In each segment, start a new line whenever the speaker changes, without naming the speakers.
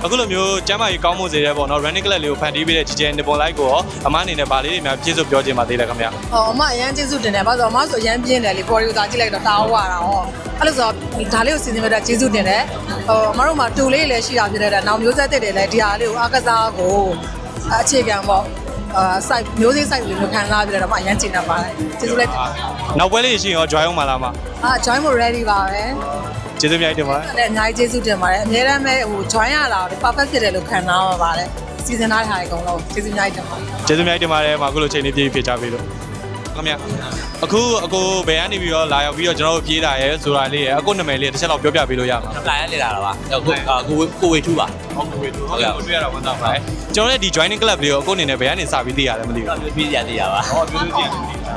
အခုလိုမျိုးကျမ်းမာရေးကောင်းမှုစေတဲ့ပေါ့နော် running club လေးကိုဖန်တီးပေးတဲ့ GJ Nippon Light ကိုရောအမအနေနဲ့ဗာလေးတွေများပြည့်စုံပြောချင်ပါသေးတယ်ခင်ဗျာ
အမအရန်ကျေးဇူးတင်တယ်ဘာလို့ဆိုအမဆိုအရန်ပြင်းတယ်လေ body ကိုသာကြည့်လိုက်တော့တာဝါတာဟောအဲ့လိုဆိုဒါလေးကိုစီစဉ်ပေးတာကျေးဇူးတင်တယ်အမတို့မှာတူလေးလည်းရှိတာဖြစ်တဲ့နောက်မျိုးဆက်တဲ့တွေလည်းဒီဟာလေးကိုအားကစားကိုအခြေခံပေါ့site မျိုးစေ့ site လေးမျိုးခံစားပြီးတော့အရန်ကျင်တာပါတယ်ကျေးဇူးလိုက်
နောက်ပွဲလေးရှိရင်ရော join အောင်ပါလားမ
join ဖို့ ready ပါပဲ
ကျေးဇူးများတင်ပါတယ်
လည်းအများကြီးကျေးဇူးတင်ပါတယ်အများတမ်းပဲဟို join ရတာ perfect ဖြစ်တယ်လို့ခံစားရပါတယ်စီစဉ်ထားတဲ့ဟာတွေအကုန်လုံးကျေးဇူးများတင်ပါတယ်
ကျေးဇူးများတင်ပါတယ်အခုလိုချိန်လေးပြည့်ပြည့်ကြပြီလို့ခင်ဗျအခုအကိုဘယ်ကနေပြီးတော့လာရောက်ပြီးတော့ကျွန်တော်တို့ပြေးတာရဲဆိုတာလေးရဲအခုနာမည်လေးတစ်ချက်တော့ပြောပြပေးလို့ရမှာ
apply ရနေတာပါကိုဝေထူပါ
ကိုဝေထူဟုတ်ကဲ့ကိုတွေ့ရတာဝန်တာပါကျွန်တော်လည်းဒီ joining club လေးကိုအခုအနေနဲ့ဘယ်ကနေစပြီးသိရတယ်မသိဘူး
ပြေးရသေးရပါ
ဟုတ်ပြေးရ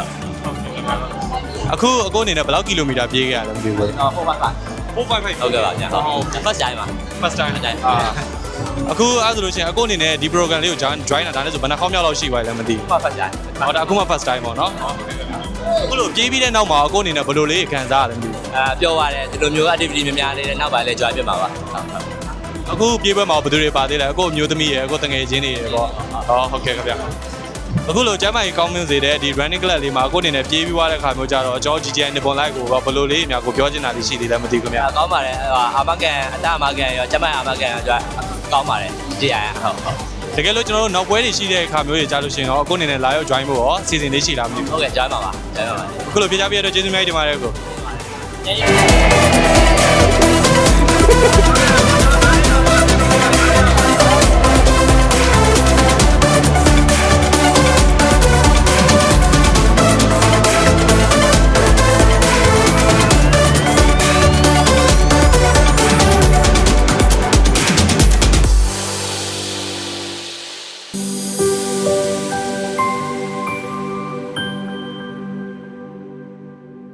အခုအခုအနေနဲ့ဘယ်လောက်ကီလိုမီတာပြေးခဲ့ရလဲမသိဘူး
455
ဟုတ်ကဲ့ပါ
ဗျာဟုတ် first time ပါ
first time အခုအဲ့ဆိုလို့ရှိရင်အခုအနေနဲ့ဒီ program လေးကို join တာဒါနဲ့ဆိုဘယ်နှခေါက်မြောက်လောက်ရှိပါလဲမသိဘူး
first time
ဟုတ်ဒါအခုမှ first time ပေါ့နော်အခုလိုပြေးပြီးတဲ့နောက်မှာအခုအနေနဲ့ဘယ်လိုလေးခံစားရလဲမသိဘူး
ပြောပါတယ်ဒီလိုမျိုး activity များများလေးနဲ့နောက်ပိုင်းလည်း join ဖြစ်မှာပါ
အခုပြေးပွဲမှာဘယ်သူတွေပါသေးလဲအခုအမျိုးသမီးရယ်အခုတငယ်ချင်းတွေရယ်ပေါ့ဟုတ်ကဲ့ခင်ဗျအခုလိုကျမ်းမာရေးကောင်းမွန်စေတဲ့ဒီ running club လေးမှာအခုအနေနဲ့ပြေးပြီးွားတဲ့ခါမျိုးကြတော့ကျွန်တော် GJ Nippon Light ကိုဘယ်လိုလေးအများကိုပြောချင်တာလေးရှိသေးလဲမသိဘူးခင်ဗျ
ကောင်းပါတယ်အာမကန်အတအာမကန်ရောကျမ်းမာရေးအာမကန်ရောကောင်းပါတယ်ကြည့်ရအောင်ဟုတ်
တကယ်လို့ကျွန်တော်တို့နောက်ပွဲတွေရှိတဲ့အခါမျိုးတွေကြားလို့ရှိရင်တော့အခုအနေနဲ့လာရောက် join ဖို့ရောစီစဉ်လေးရှိလားမသိဘူး
ဟုတ်ကဲ့ join ပါပါ join ပါပါ
အခုလိုပြကြပြရတော့ကျေးဇူးများတင်ပါတယ်ကို